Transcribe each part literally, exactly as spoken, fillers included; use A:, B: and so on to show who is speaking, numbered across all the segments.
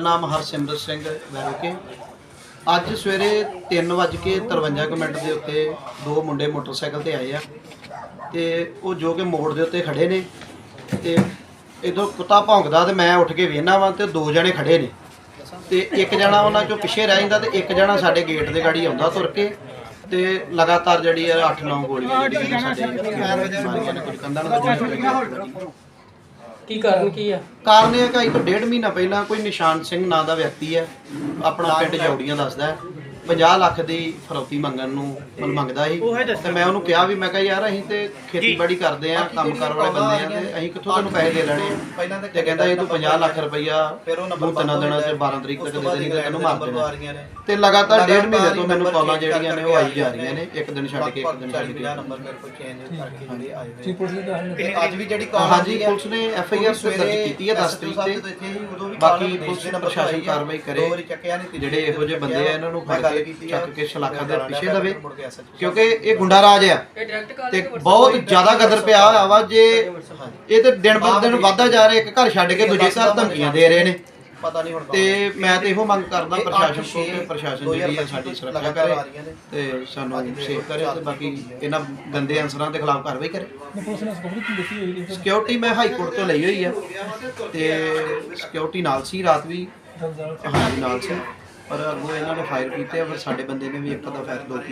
A: नाम हरसिमरत सिंह वैरोके। अज सवेरे तीन वज के तरवंजा मिनट के उत्ते दो मुंडे मोटरसाइकिल ते आए आ ते वो जो कि मोड़ के उत्ते खड़े ने ते इधर कुत्ता भौंकदा ते मैं उठ के वेखना वा ते दो जने खड़े ने ते एक जना उन्हां चों पिछे रह जांदा ते एक जना साडे गेट दे गाड़ी आउंदा तुर के ते लगातार जिहड़ी अठ नौ गोलियां जिहड़ियां साडे मारियां ने कुछ कंधां नाल वज्जियां।
B: की कारण की है?
A: कारण यह कि अज तो डेढ़ महीना पहला कोई निशान सिंह नाम का व्यक्ति है अपना पिंड जौड़ियां दसदा है पचास लाख की फरौती मंगण नूं मंगदा ही ते मैं उहनूं कहा भी मैं कहा यार असीं ते खेतीबाड़ी करदे आ काम कर वाले बंदे आ ते असीं कित्थों तैनूं पैसे दे लैणे आ ते कहंदा ये तूं पचास लाख रुपया तूं तिन्नां दिनां च बारह तरीक तक दे देणी ते तैनूं मार देना ते लगातार डेढ़ महीने तो मैनूं कॉलां जिहड़ियां ने ओह आई जा रहीआं ने एक दिन छड्ड के एक दिन छड्ड के नंबर मेरे कोल चेंज करके आए होए अज भी जिहड़ी कॉल हां जी पुलिस ने एफ आई आर दर्ज कीती है दस तरीक ते बाकी पुलिस ने प्रशासन कार्रवाई करे जिहड़े इहो ਜਿਹੇ ਬੰਦੇ ਆ ਇਹਨਾਂ ਨੂੰ ਫੜ ਕੇ ਚੱਕ ਕੇ ਸ਼ਲਾਖਾ ਦੇ ਪਿੱਛੇ ਦਵੇ ਕਿਉਂਕਿ ਇਹ ਗੁੰਡਾ ਰਾਜ ਆ ਤੇ ਬਹੁਤ ਜ਼ਿਆਦਾ ਗਦਰ ਪਿਆ ਹੋਇਆ ਵਾ ਜੇ ਇਹ ਤੇ ਦਿਨ ਬਰ ਦਿਨ ਵਧਦਾ ਜਾ ਰਿਹਾ ਇੱਕ ਘਰ ਛੱਡ ਕੇ ਦੂਜੇ ਘਰ ਧਮਕੀਆਂ ਦੇ ਰਹੇ ਨੇ ਪਤਾ ਨਹੀਂ ਹੁਣ ਤੇ ਮੈਂ ਤੇ ਇਹੋ ਮੰਗ ਕਰਦਾ ਪ੍ਰਸ਼ਾਸਨ ਕੋਲ ਕਿ ਪ੍ਰਸ਼ਾਸਨ ਜਿਹੜੀ ਹੈ ਸਾਡੀ ਸੁਰੱਖਿਆ ਕਰੇ ਤੇ ਸਾਨੂੰ ਸੇਫ ਕਰੇ ਤੇ ਬਾਕੀ ਇਹਨਾਂ ਗੰਦੇ ਅਨਸਰਾਂ ਦੇ ਖਿਲਾਫ ਕਾਰਵਾਈ ਕਰੇ। ਸਿਕਿਉਰਿਟੀ ਮੈਂ ਹਾਈ ਕੋਰਟ ਤੋਂ ਲਈ ਹੋਈ ਆ ਤੇ ਸਿਕਿਉਰਿਟੀ ਨਾਲ ਸੀ ਰਾਤ ਵੀ ਹਾਂਜੀ ਨਾਲ ਸੀ पर अगों इन्होंने फायर किए फिर साडे बंदे ने भी एक अद्धा फायर दो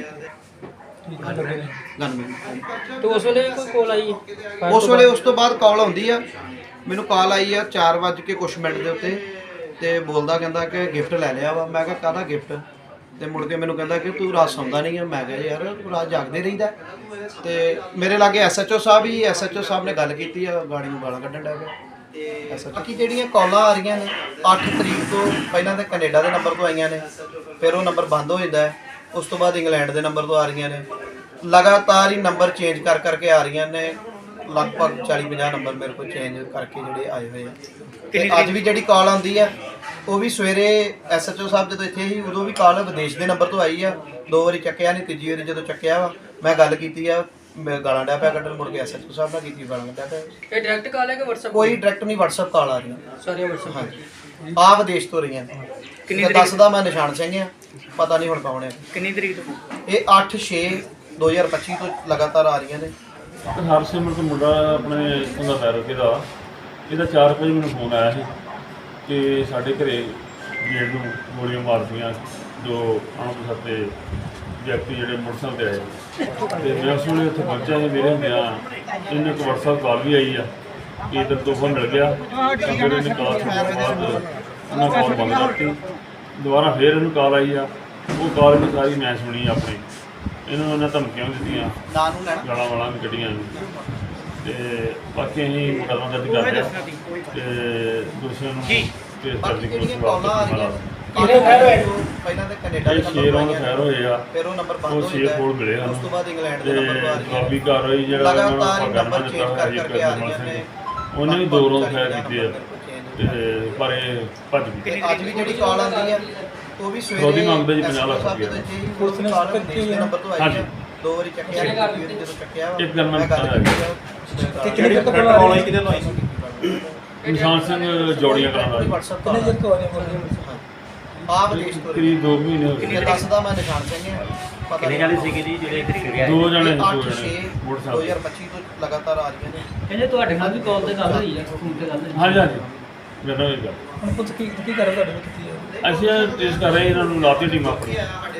A: किए गनमैन।
B: तो उस वेले कोई कॉल आई है?
A: उस वेले उस तो बाद कॉल आउंदी आ मैनूं कॉल आई आ चार वज के कुछ मिनट के उत्ते ते बोलदा कहंदा कि गिफ्ट लै लिया वा। मैं कहा काहदा गिफ्ट ते मुड़ के मैनूं कहंदा कि तू रात सौंदा नहीं है। मैं कहा यार रात जागदे रहीदा ते मेरे लागे एस एच ओ साहब ही एस एच ओ साहब ने गल कीती आ गाड़ी नूं गालां कड्ढण लग पिया। बाकी ਜਿਹੜੀਆਂ ਕਾਲਾਂ ਆ ਰਹੀਆਂ ਨੇ ਅੱਠ ਤਰੀਕ ਤੋਂ ਪਹਿਲਾਂ ਤਾਂ ਕੈਨੇਡਾ ਦੇ ਨੰਬਰ ਤੋਂ ਆਈਆਂ ਨੇ ਫਿਰ ਉਹ ਨੰਬਰ ਬੰਦ ਹੋ ਜਾਂਦਾ ਹੈ ਉਸ ਤੋਂ ਬਾਅਦ ਇੰਗਲੈਂਡ ਦੇ ਨੰਬਰ ਤੋਂ ਆ ਰਹੀਆਂ ਨੇ ਲਗਾਤਾਰ ਹੀ ਨੰਬਰ ਚੇਂਜ ਕਰ ਕਰਕੇ ਆ ਰਹੀਆਂ ਨੇ ਲਗਭਗ ਚਾਲੀ ਪੰਜਾਹ ਨੰਬਰ ਮੇਰੇ ਕੋਲ ਚੇਂਜ ਕਰਕੇ ਜਿਹੜੇ ਆਏ ਹੋਏ ਆ ਤੇ ਅੱਜ ਵੀ ਜਿਹੜੀ ਕਾਲ ਆਉਂਦੀ ਆ ਉਹ ਵੀ ਸਵੇਰੇ ਐਸ ਐਚ ਓ ਸਾਹਿਬ ਜਦੋਂ ਇੱਥੇ ਸੀ ਉਦੋਂ ਵੀ ਕਾਲ ਵਿਦੇਸ਼ ਦੇ ਨੰਬਰ ਤੋਂ ਆਈ ਆ ਦੋ ਵਾਰੀ ਚੱਕਿਆ ਨਹੀਂ ਤੀਜੀ ਵਾਰੀ ਜਦੋਂ ਚੱਕਿਆ ਵਾ ਮੈਂ ਗੱਲ ਕੀਤੀ ਆ मैं गालां डा पिया कड्ढण मुड़ के एस एच ओ साहब नाल कीती गालां डा पिया।
B: ये डायरेक्ट कॉल है कि व्हाट्सएप?
A: कोई डायरेक्ट नहीं व्हाट्सएप कॉल आ रही
B: सारी व्हाट्सएप।
A: हाँ जी आ विदेश तो रही हैं किन्नी दसदा मैं निशान सिंह आ पता नहीं हुण कौन है
B: किन्नी तरीक तो
A: ये अठ छे दो हज़ार पच्ची तो लगातार आ रही ने।
C: हरसिमरत मुंडा अपने इत्थों दा वैरोके दा ਇਹਦਾ चार ਵਜੇ ਮੈਨੂੰ ਫੋਨ ਆਇਆ ਸੀ ਕਿ ਸਾਡੇ ਘਰੇ ਗੇਟ ਨੂੰ ਗੋਲੀਆਂ ਮਾਰਦੀਆਂ ਜੋ ਅਣਪਛਾਤੇ ਵਿਅਕਤੀ ਜਿਹੜੇ ਮੋਟਰਸਾਈਕਲ ਤੇ ਆਏ ਤੇ ਮੈਂ ਉਸ ਵੇਲੇ ਉੱਥੇ ਪਹੁੰਚਿਆ ਸੀ ਮੇਰੇ ਹੁੰਦਿਆਂ ਇਹਨੂੰ ਇੱਕ ਵਟਸਐਪ ਕਾਲ ਵੀ ਆਈ ਆ ਕਿ ਇੱਧਰ ਤੋਹਫਾ ਮਿਲ ਗਿਆ ਤਾਂ ਫਿਰ ਇਹਨੇ ਕਾਲ ਤੋਂ ਬਾਅਦ ਉਹਨਾਂ ਕਾਲ ਬੰਦ ਕਰਤੀ ਦੁਬਾਰਾ ਫਿਰ ਇਹਨੂੰ ਕਾਲ ਆਈ ਆ ਉਹ ਕਾਲ ਵੀ ਸਾਰੀ ਮੈਂ ਸੁਣੀ ਆਪਣੀ ਇਹਨਾਂ ਨੂੰ ਉਹਨਾਂ ਧਮਕੀਆਂ ਦਿੱਤੀਆਂ ਗਾਲਾਂ ਵਾਲਾਂ ਵੀ ਕੱਢੀਆਂ ਤੇ ਬਾਕੀ ਅਸੀਂ ਮੁਕੱਦਮਾ ਦਰਜ ਕਰ ਰਹੇ ਤੇ ਦੋਸ਼ੀਆਂ ਨੂੰ ਕੇਸ ਦਰਜ ਕਰਨ
A: ਪਹਿਲਾਂ ਤਾਂ ਕੈਨੇਡਾ ਦੇ
C: ਨੰਬਰ ਤੋਂ ਫੈਰ ਹੋਏ ਆ
A: ਫਿਰ ਉਹ ਨੰਬਰ ਬੰਦ ਹੋ
C: ਛੇ ਕੋਲ ਮਿਲੇ ਹਨ
A: ਉਸ ਤੋਂ ਬਾਅਦ ਇੰਗਲੈਂਡ ਦੇ ਨੰਬਰ ਤੋਂ ਆ ਰਹੀ
C: ਕਾਫੀ ਕਾਰਵਾਈ ਜਿਹੜਾ
A: ਲਗਾਤਾਰ ਹੀ ਨੰਬਰ ਚੇਂਜ ਕਰ ਕਰਕੇ ਆ ਰਹੀਆਂ ਨੇ
C: ਉਹਨੇ ਵੀ ਦੋ ਰੋਜ਼ ਫੈਰ ਕੀਤੇ ਆ ਤੇ ਪਰ ਇਹ ਭੱਜ ਗਈ।
A: ਅੱਜ ਵੀ ਜਿਹੜੀ ਕਾਲ ਆਉਂਦੀ ਹੈ ਉਹ ਵੀ ਸਵੇਰੇ
C: ਉਹਦੀ ਮੰਗਦਾ ਜੀ ਪੰਜਾਹ ਲੱਖ ਰੁਪਏ
A: ਪੁਲਿਸ ਨੇ ਕਾਲ ਦੇ ਨੰਬਰ ਤੋਂ ਆਈ ਹੈ ਦੋ ਵਾਰੀ ਚੱਕਿਆ ਜਦੋਂ ਚੱਕਿਆ
C: ਇੱਕ ਗੱਲ ਮੈਂ ਬਤਾ ਰਿਹਾ
A: ਤੇ ਕਿਹੜੇ ਤੱਕ ਕਾਲ ਆਈ ਕਿਹਦੇ ਨੂੰ ਆਈ
C: ਨਿਸ਼ਾਨ ਸਿੰਘ ਜੋੜੀਆਂ ਕਰਾਂ ਦਾ
A: ਕਿੰਨੇ ਜਰ ਤੋਂ ਆਏ ਆ ਵਿਦੇਸ਼ ਤੋਂ
C: ਕਰੀਬ ਦੋ ਮਹੀਨੇ ਹੋ ਗਏ।
A: ਦੱਸਦਾ ਮੈਂ ਨਿਸ਼ਾਨ ਸਿੰਘ ਹਾਂ ਪਤਾ
D: ਕਿੰਨੇ ਜਾਣੇ ਸੀਗੇ ਜੀ ਜਿਹੜੇ ਇੱਥੇ ਫਿਰਿਆ
C: ਦੋ ਜਣੇ ਦੋ
A: ਅੱਠ ਛੇ
C: ਜਣੇ
A: ਦੋ
C: ਮੋਟਰਸਾਈਕਲ
A: ਹਜ਼ਾਰ ਪੱਚੀ ਤੋਂ ਲਗਾਤਾਰ ਆ ਰਹੀਆਂ ਨੇ।
B: ਕਹਿੰਦੇ ਤੁਹਾਡੇ ਨਾਲ ਵੀ ਕਾਲ ਤੇ ਗੱਲ ਹੋਈ ਹੈ ਫੋਨ ਤੇ ਗੱਲ ਹੋਈ?
C: ਹਾਂਜੀ ਹਾਂਜੀ ਮੇਰਾ ਇਹ ਗੱਲ
B: ਹੁਣ ਪੁੱਛ ਕੀ ਕੀ ਕਰ ਤੁਹਾਡੇ ਨਾਲ ਕੀਤੀ ਹੈ?
C: ਅਸੀਂ ਟੈਸਟ ਕਰ ਰਹੇ ਇਹਨਾਂ ਨੂੰ ਲਾਤੀ ਟੀਮ ਆਪਣੀ